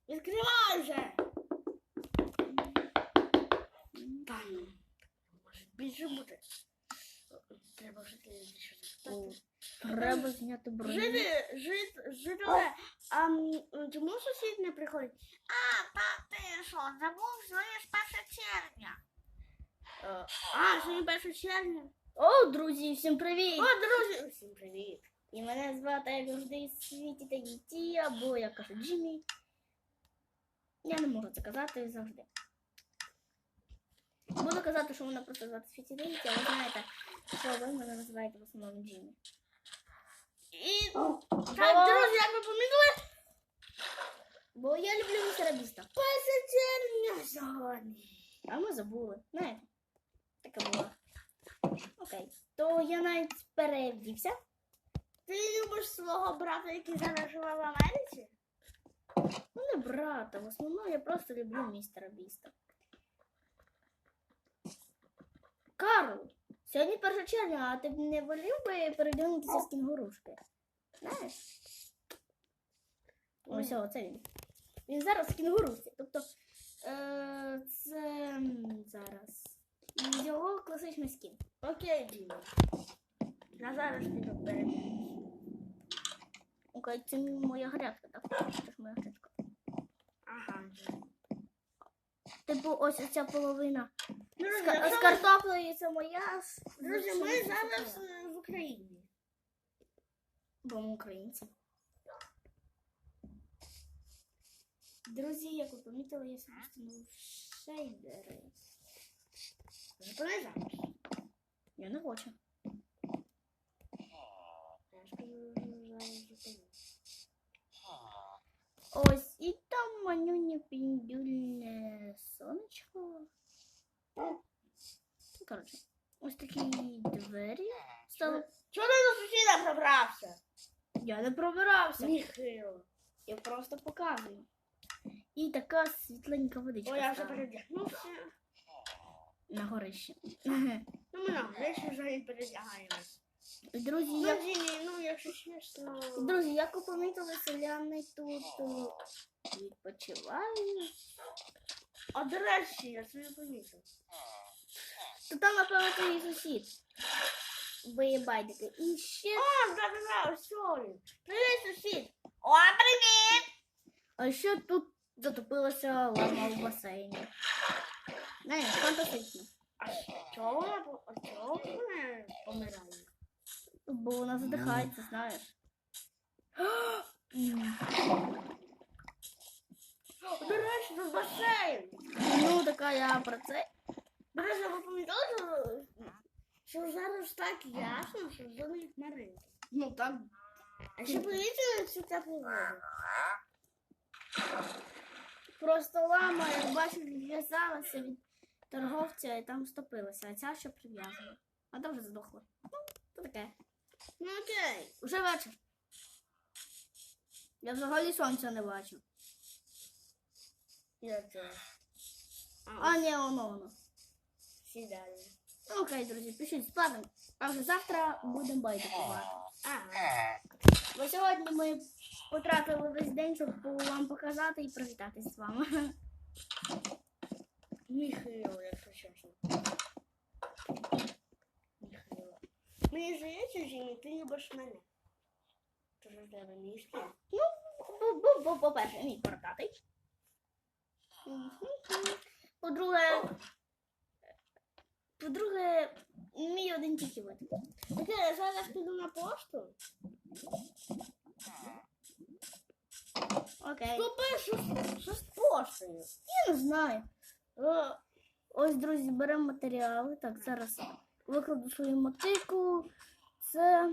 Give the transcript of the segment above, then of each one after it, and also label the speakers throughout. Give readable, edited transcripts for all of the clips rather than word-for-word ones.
Speaker 1: Відкривай вже! Та ну, може більше буде. Треба вже більше запитати.
Speaker 2: Треба зняти броню.
Speaker 1: Жителе, а чому сусід не приходить? А, та ти що, забув, сьогодні ж 1 червня. Сьогодні 1 червня.
Speaker 2: О, друзі, всім привіт!
Speaker 1: О, друзі, всім привіт.
Speaker 2: І мене звати, як завжди, Світі та Діті, або я кажу Джиммі. Я не можу це казати завжди. Буду казати, що мене просто звати Світі та Діті, а ви знаєте, що ви мене називаєте в основному Джиммі.
Speaker 1: І так, друзі, як ви помітили?
Speaker 2: Бо я люблю містера Біста.
Speaker 1: 1 червня сьогодні.
Speaker 2: А ми забули. Знаєте, таке було. Окей. То я навіть перевдівся.
Speaker 1: Ти любиш свого брата, який зараз живе в Америці?
Speaker 2: Ну, не брата, в основному я просто люблю містера Біста. Карл, сьогодні 1 червня, а ти б не волів би передягнутися з кінгурушки? Знаєш? Ось, це він. Він зараз в кінгурушці. Тобто, це зараз його класичний скін.
Speaker 1: Окей, Діма. Я зараз піду передягнусь.
Speaker 2: Окей, це моя грядка, так? Це ж моя грядка.
Speaker 1: Ага.
Speaker 2: Типу, ось ця половина
Speaker 1: Друзі,
Speaker 2: з картоплею, це моя.
Speaker 1: Друзі, ми зараз в Україні.
Speaker 2: Бо ми українці. Друзі, як ви помітили, я собі встановив шейдери.
Speaker 1: Зупини зараз.
Speaker 2: Я не хочу.
Speaker 1: Я ж кажу, зараз зупини.
Speaker 2: Ось, і там манюнє піндюльне сонечко. Коротше, ось такі двері стали.
Speaker 1: Чого ти до сусіда пробрався?
Speaker 2: Я не пробирався.
Speaker 1: Міхило.
Speaker 2: Я просто показую. І така світленька водичка.
Speaker 1: О, я вже
Speaker 2: стала
Speaker 1: передягнувся.
Speaker 2: на горище.
Speaker 1: Ну, ми на гречі вже і передягаємось.
Speaker 2: Друзі,
Speaker 1: Ну,
Speaker 2: як...
Speaker 1: Дімі, ну, якщо чесно...
Speaker 2: Друзі, як ви помітили, селяни тут відпочивають.
Speaker 1: А до речі, я це не помітив.
Speaker 2: То там, напевно, твій сусід. Бо є байдики. І ще...
Speaker 1: О, да, ось він. Привіт, сусід. О, привіт!
Speaker 2: А ще тут затопилася лама в басейні. Не, фантастично.
Speaker 1: А чого вона помирає?
Speaker 2: Бо вона задихається, знаєш.
Speaker 1: До речі, тут басейн.
Speaker 2: Ну, така я про це.
Speaker 1: До речі, ви помітили, що зараз так ясно, що зони хмаринки.
Speaker 2: Ну, так.
Speaker 1: А ще помітили цю теплу воду?
Speaker 2: Просто лама, як бачиш, відв'язалася від торговця і там стопилася, а ця ще прив'язана. А та вже здохла. Ну, то таке.
Speaker 1: Ну окей.
Speaker 2: Уже вечір. Я взагалі сонця не бачу.
Speaker 1: Я це.
Speaker 2: А, ні, воно.
Speaker 1: Сідаю.
Speaker 2: Окей, друзі, пишіть спати. А вже завтра будемо байдикувати. Бо сьогодні ми потратили весь день, щоб вам показати і привітатись з вами.
Speaker 1: Міхило, якщо чесно. Міхило. Мені здається, Жені, ти любиш мене. Тож в тебе мішки.
Speaker 2: Ну, по-перше, мій бородатий. По-друге, мій один тільки вид.
Speaker 1: Окей, я зараз піду на пошту.
Speaker 2: Окей.
Speaker 1: Що з поштою?
Speaker 2: Я не знаю. Ось, друзі, беремо матеріали. Так, зараз викладу свою мотику. Це...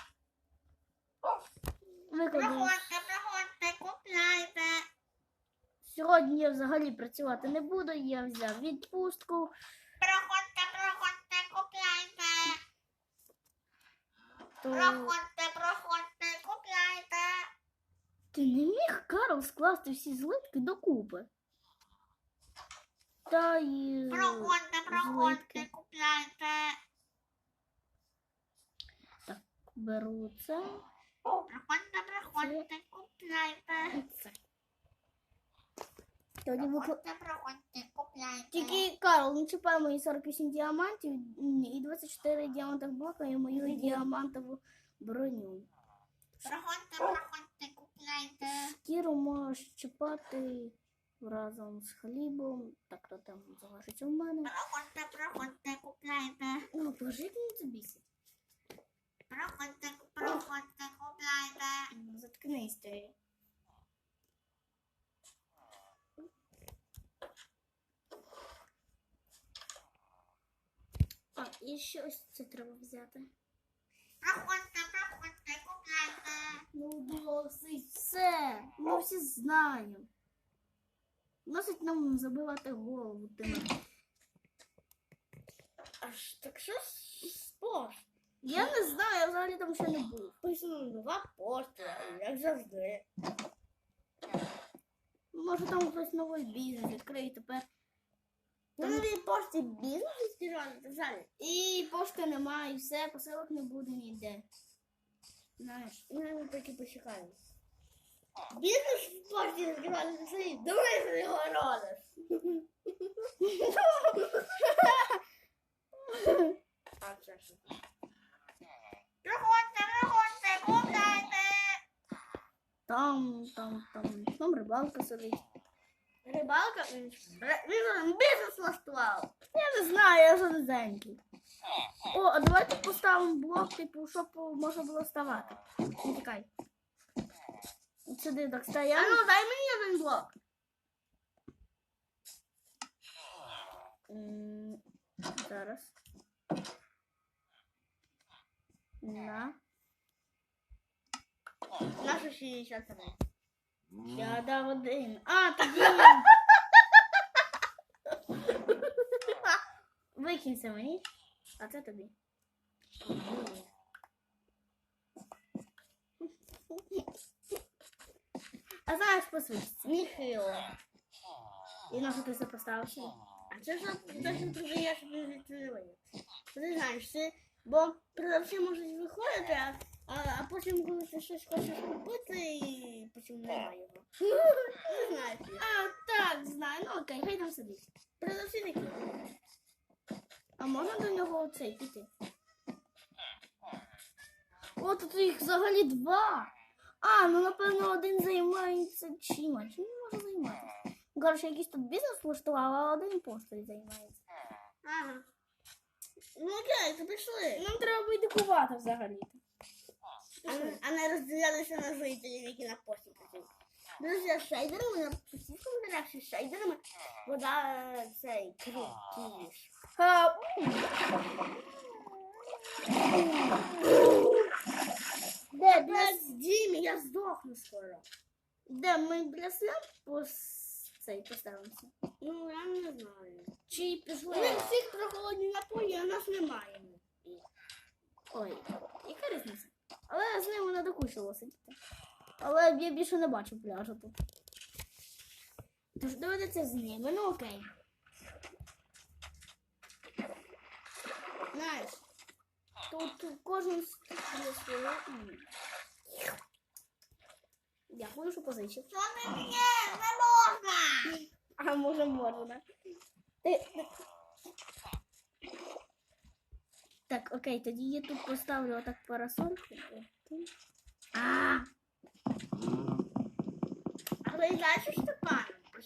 Speaker 2: Викладу.
Speaker 1: Проходьте, купляйте.
Speaker 2: Сьогодні я взагалі працювати не буду. Я взяв відпустку.
Speaker 1: Проходьте, купляйте.
Speaker 2: То...
Speaker 1: Проходьте, купляйте.
Speaker 2: Ти не міг, Карл, скласти всі злитки докупи? Та й...
Speaker 1: Проходьте, купляйте.
Speaker 2: Так, беру це.
Speaker 1: Проходьте, купляйте.
Speaker 2: Це. Тоді
Speaker 1: Проходьте, купляйте.
Speaker 2: Тільки, Карл, не чіпай мої 48 діамантів і 24 діамантових блока і мою діамантову броню.
Speaker 1: Проходьте, купляйте.
Speaker 2: Шкіру можеш чіпати разом з хлібом. Так, то там залишиться в мене.
Speaker 1: Проходьте, купляйте.
Speaker 2: Ну, пожити не забійся.
Speaker 1: Проходьте, купляйте.
Speaker 2: Ну, заткнись ти. А, і ще ось це треба взяти.
Speaker 1: Проходьте, купляйте.
Speaker 2: Ну, досить все. Ми всі знаємо. Досить нам забивати голову тими.
Speaker 1: Аж так що спорт?
Speaker 2: Я не знаю, я взагалі там ще не був.
Speaker 1: Писано нова пошта, як завжди.
Speaker 2: Може там хтось новий бізнес відкриє тепер.
Speaker 1: На новій пошті бізнес відкривали.
Speaker 2: І пошти немає, і все, посилок не буде ніде. Знаєш.
Speaker 1: Ми таки почекаємо. Бізнес в пошті відкривали за свої. Думаєш, що його родиш? А це що? Проходьте, купляйте.
Speaker 2: Там рибалка сидить.
Speaker 1: Рибалка? Він бізнес влаштував.
Speaker 2: Я не знаю, я жоденький. О, а давайте поставимо блок, типу, щоб можна було вставати. Не тікай. От сюди так
Speaker 1: А
Speaker 2: стояв.
Speaker 1: ну, дай мені один блок.
Speaker 2: Зараз. На.
Speaker 1: Наша 63.
Speaker 2: Я дав один. А, тоді. Викинься мені. А це тобі. А знаєш, посвідчиться.
Speaker 1: Міхило.
Speaker 2: І на що ти це поставив сюди?
Speaker 1: А це ж точно продаєш відкривання. Ти знаєш, це, бо продавці можуть виходити, а потім, коли ти щось хочеш купити, і потім немає його. Ти знаєш.
Speaker 2: А, так, знаю. Ну окей, хай там сидить.
Speaker 1: Продавці такі.
Speaker 2: А можна до нього оцей піти? О, тут їх взагалі два. А, ну напевно один займається чимось. Чим він може займатися? Коротше, якийсь тут бізнес влаштував, а один постою займається.
Speaker 1: Ага. Ну окей, то пішли.
Speaker 2: Нам треба байдикувати взагалі.
Speaker 1: А не розділялися на жителів, які на пості працюють. Друзі, з шейдерами, на постійних коментарях з шейдерами, вода цей крутіш.
Speaker 2: Де,
Speaker 1: Без Дімі, я здохну скоро.
Speaker 2: де ми блясляп цей поставимося?
Speaker 1: Ну, я не знаю.
Speaker 2: Чи
Speaker 1: У
Speaker 2: пішли?
Speaker 1: них всіх прохолодні напої, а нас немає.
Speaker 2: Ой, яка різниця? Але з ними не докучило сидіти. Але я більше не бачу пляжу тут. Тож доведеться з ними, ну окей.
Speaker 1: Знаєш,
Speaker 2: Тут кожен є своє. Дякую, що позичив.
Speaker 1: що не п'є, не можна.
Speaker 2: А може можна. Так, окей, тоді я тут поставлю отак парасольку. А,
Speaker 1: Але і далі що Степан?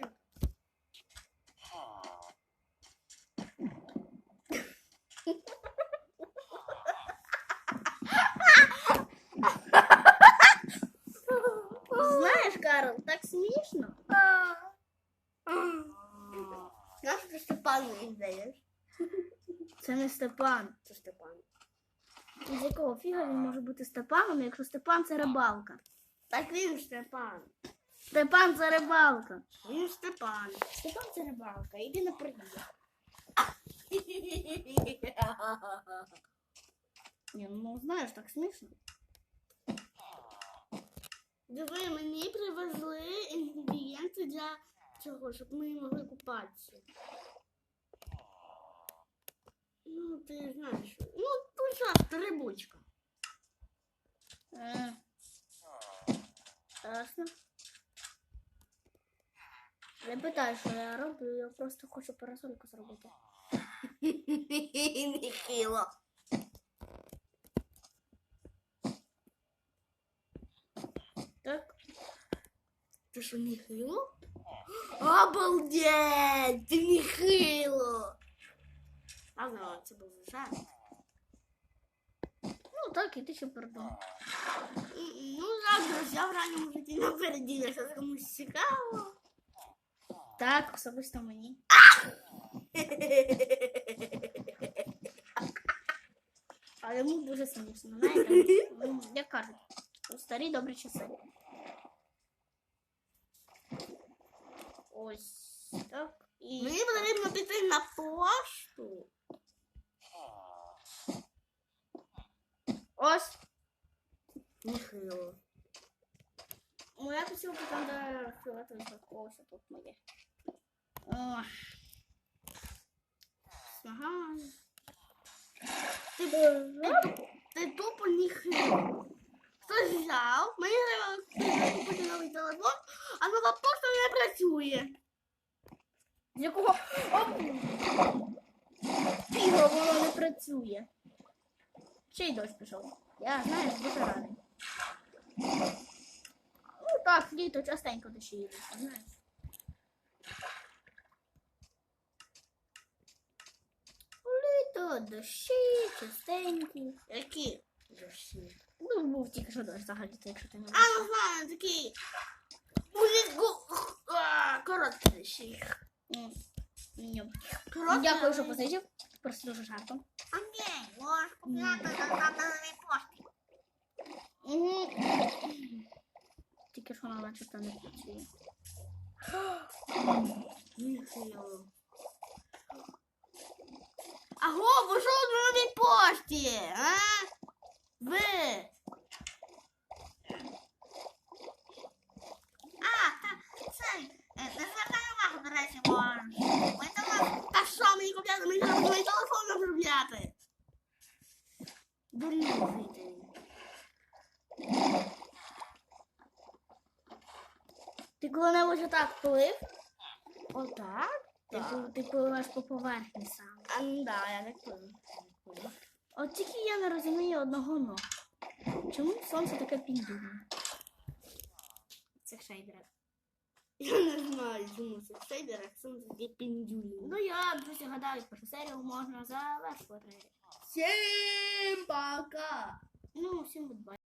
Speaker 2: знаєш, Карл, так смішно.
Speaker 1: Нащо ти Степану не даєш?
Speaker 2: Це не Степан.
Speaker 1: Це Степан.
Speaker 2: З якого фіга він може бути Степаном, якщо Степан це рибалка?
Speaker 1: Так він Степан.
Speaker 2: Степан це рибалка.
Speaker 1: Він Степан.
Speaker 2: Степан це рибалка, іди на приїзд. Ні, ну знаєш, так смішно.
Speaker 1: Диви, мені привезли інгредієнти для цього, щоб ми могли купатися. Ну, ти знаєш. Ну, пожалуйста, рибочка.
Speaker 2: Ясно. Не питаю, що я роблю, я просто хочу парасольку зробити.
Speaker 1: Нехило.
Speaker 2: Так.
Speaker 1: Ти що, нехило? Обалдеть! Ти нехило! Ладно, це був жарт.
Speaker 2: Ну так, і ти ще придумав.
Speaker 1: Ну, завтра я в ранньому житті напереді, якщо комусь цікаво.
Speaker 2: Так, особисто мені. А йому дуже смішно, знаєте? Ну, як кажуть, у старі добрі часи. Ось так. І
Speaker 1: Мені потрібно піти на пошту.
Speaker 2: ось.
Speaker 1: Нехило.
Speaker 2: Моя посилка там, де фіолетовий. Ось тут моє. О. Ага.
Speaker 1: Ти тупо нехило. Хтось взяв, мені треба купити новий телефон, а нова пошта не працює.
Speaker 2: З якого фіга воно не працює. Ще й дощ пішов. Я, знаєш, дуже радий. Ну так, літо частенько дощі їдуть, знаєш. Літо, дощі, частенькі.
Speaker 1: Які? Дощі.
Speaker 2: Ну, був тільки що дощ взагалі, якщо ти не
Speaker 1: А,
Speaker 2: бачиш.
Speaker 1: ну знаю, такі. Короткі дощі.
Speaker 2: Ні.
Speaker 1: Короткі.
Speaker 2: Дякую, що позичив. Просто дуже жартом.
Speaker 1: А ні, можеш купляти на новій пошті.
Speaker 2: Тільки що вона начебто не працює.
Speaker 1: Нехило. Аго, ви що на новій пошті, а? Ви? Не звертай увагу, до речі, можеш. Та що мені купляти? Мені треба новий телефон обробляти. Дурні жителі.
Speaker 2: Ти коли-небудь отак плив?
Speaker 1: Отак?
Speaker 2: Ти пливеш по поверхні саме.
Speaker 1: А, ну да, я так пливу.
Speaker 2: От тільки я не розумію одного но. Чому сонце таке піндюрне? Це шейдер.
Speaker 1: Я не знаю, чому це шейдер, а сонце таке піндюлі.
Speaker 2: Ну я, друзі, гадаю, першу серію можна завершувати.
Speaker 1: Всім пока!
Speaker 2: Ну, всім гудбай.